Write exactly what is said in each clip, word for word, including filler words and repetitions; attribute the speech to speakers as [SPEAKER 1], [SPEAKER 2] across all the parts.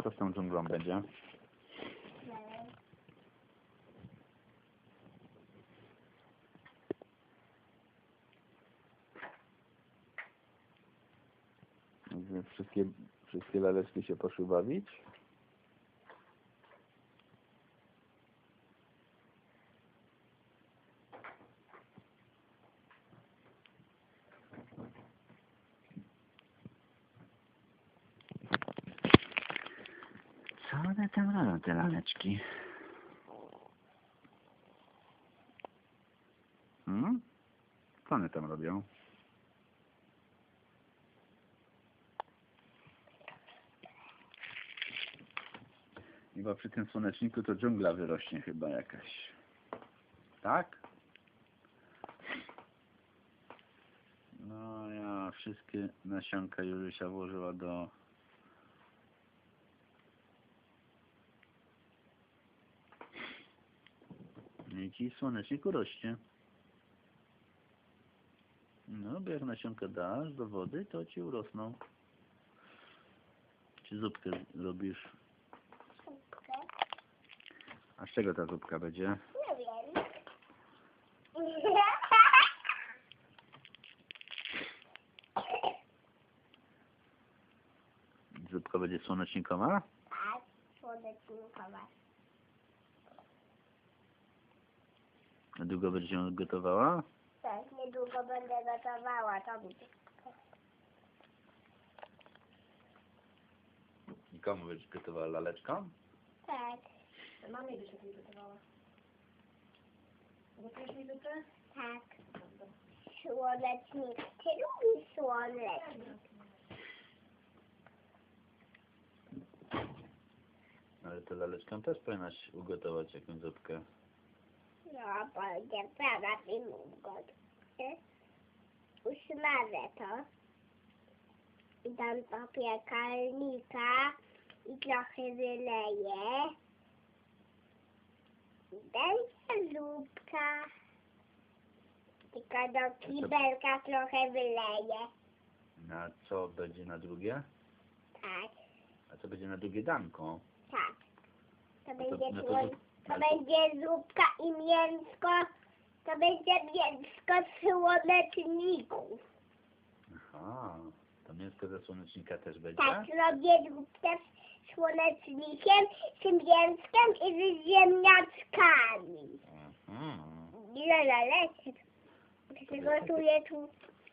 [SPEAKER 1] Co z tą dżunglą będzie? Wszystkie, wszystkie laleczki się poszły bawić? Co one tam robią, te laleczki? Hmm? Co one tam robią? Chyba przy tym słoneczniku to dżungla wyrośnie chyba jakaś. Tak? No ja wszystkie nasionka Jurysia włożyła do... I ci słoneczniku rośnie. No, bo jak nasionka dasz do wody, to ci urosną. Czy zupkę robisz?
[SPEAKER 2] Zupkę?
[SPEAKER 1] A z czego ta zupka będzie?
[SPEAKER 2] Nie wiem.
[SPEAKER 1] Zupka będzie słonecznikowa?
[SPEAKER 2] Tak, słonecznikowa.
[SPEAKER 1] A długo będziesz ją gotowała?
[SPEAKER 2] Tak, niedługo będę gotowała, to będzie.
[SPEAKER 1] I komu będziesz gotowała? Laleczką?
[SPEAKER 2] Tak.
[SPEAKER 3] Mamie byś lepiej gotowała. Gotujesz mi zupę?
[SPEAKER 2] Tak. Słonecznik. Ty lubisz słonecznik.
[SPEAKER 1] Ale to laleczką też powinnaś ugotować jakąś zupkę.
[SPEAKER 2] No, będzie prawa filmówka. Usmażę to. I dam do piekarnika i trochę wyleję. I będzie zupka. Tylko do kibelka trochę wyleję.
[SPEAKER 1] Na co będzie na drugie?
[SPEAKER 2] Tak,
[SPEAKER 1] A co będzie na drugie danko?
[SPEAKER 2] tak. To
[SPEAKER 1] to-
[SPEAKER 2] będzie
[SPEAKER 1] no to
[SPEAKER 2] słoń...
[SPEAKER 1] zup-
[SPEAKER 2] To
[SPEAKER 1] ale to-
[SPEAKER 2] będzie zupka i mięsko. To będzie mięsko z słoneczników.
[SPEAKER 1] Aha, to mięsko ze słonecznika też będzie?
[SPEAKER 2] Tak, robię zupkę z słonecznikiem, z mięskiem i z ziemniaczkami.
[SPEAKER 1] Mhm.
[SPEAKER 2] Ile laleczek. Przygotuję tu.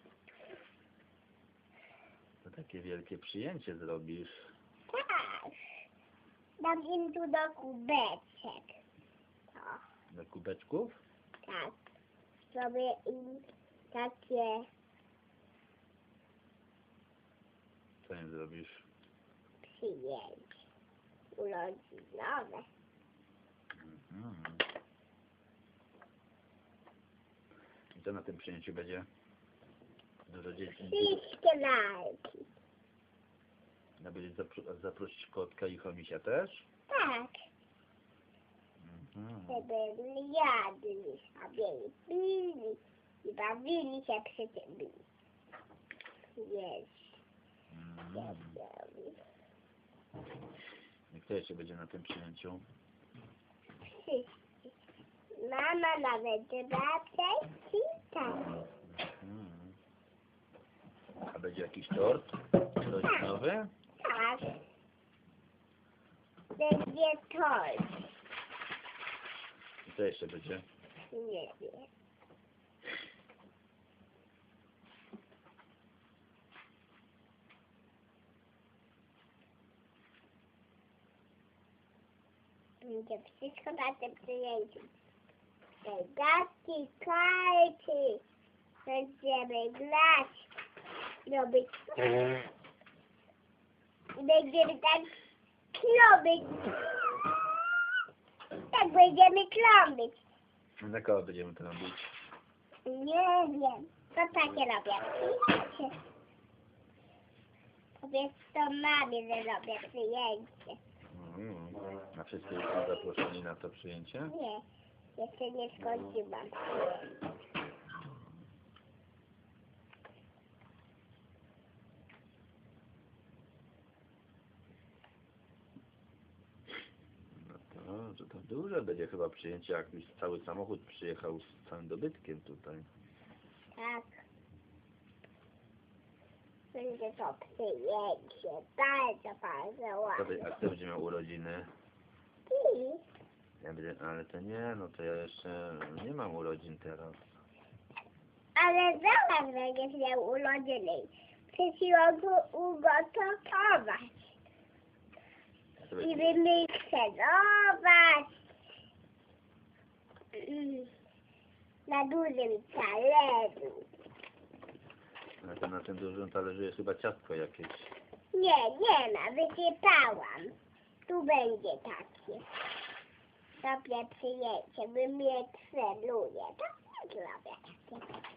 [SPEAKER 1] To takie wielkie przyjęcie zrobisz.
[SPEAKER 2] Tak. Dam im tu do kubeczek. To,
[SPEAKER 1] Do kubeczków?
[SPEAKER 2] tak. Zrobię im takie
[SPEAKER 1] Co im zrobisz?
[SPEAKER 2] przyjęcie urodzinowe.
[SPEAKER 1] Mhm. I co na tym przyjęciu będzie? Dużo dzieci.
[SPEAKER 2] Wszystkie lalki.
[SPEAKER 1] A będziesz zapro- zaprosić kotka i chomisia też?
[SPEAKER 2] Tak.
[SPEAKER 1] Mhm.
[SPEAKER 2] Żeby jadli sobie i pili i bawili się przy tym. Jeść.
[SPEAKER 1] Mhm. I kto jeszcze będzie na tym przyjęciu?
[SPEAKER 2] Wszyscy. Mama, nawet babcia i tak.
[SPEAKER 1] Mhm. A będzie jakiś tort urodzinowy?
[SPEAKER 2] Tak. Będzie tort.
[SPEAKER 1] I co jeszcze będzie?
[SPEAKER 2] Nie wiem. Będzie wszystko na tym przyjęciu. Gadki, karty. Będziemy grać. Robić. I będziemy tak klobić. Tak będziemy klobić.
[SPEAKER 1] Na kogo będziemy to robić?
[SPEAKER 2] Nie wiem. To takie robię. Powiedz to mamie, że robię przyjęcie.
[SPEAKER 1] Mhm. A wszyscy są zaproszeni na to przyjęcie?
[SPEAKER 2] Nie, jeszcze nie skończyłam.
[SPEAKER 1] Duże będzie chyba przyjęcie, jak już cały samochód przyjechał z całym dobytkiem tutaj.
[SPEAKER 2] Tak. Będzie to przyjęcie. Bardzo, bardzo
[SPEAKER 1] Kto, by-
[SPEAKER 2] ładne.
[SPEAKER 1] a kto będzie miał urodziny?
[SPEAKER 2] I
[SPEAKER 1] Ja będę, ale to nie, no to ja jeszcze nie mam urodzin teraz.
[SPEAKER 2] Ale zaraz będziesz miał urodziny. Przesiłam go ugotować.
[SPEAKER 1] To
[SPEAKER 2] I
[SPEAKER 1] będzie-
[SPEAKER 2] wymikserować. Mm. Na dużym talerzu.
[SPEAKER 1] Na, tym- na tym dużym talerzu jest chyba ciastko jakieś.
[SPEAKER 2] Nie, nie ma. Wysypałam. Tu będzie takie. Sobie przyjęcie. Wymikseruję. To nie zrobię takie.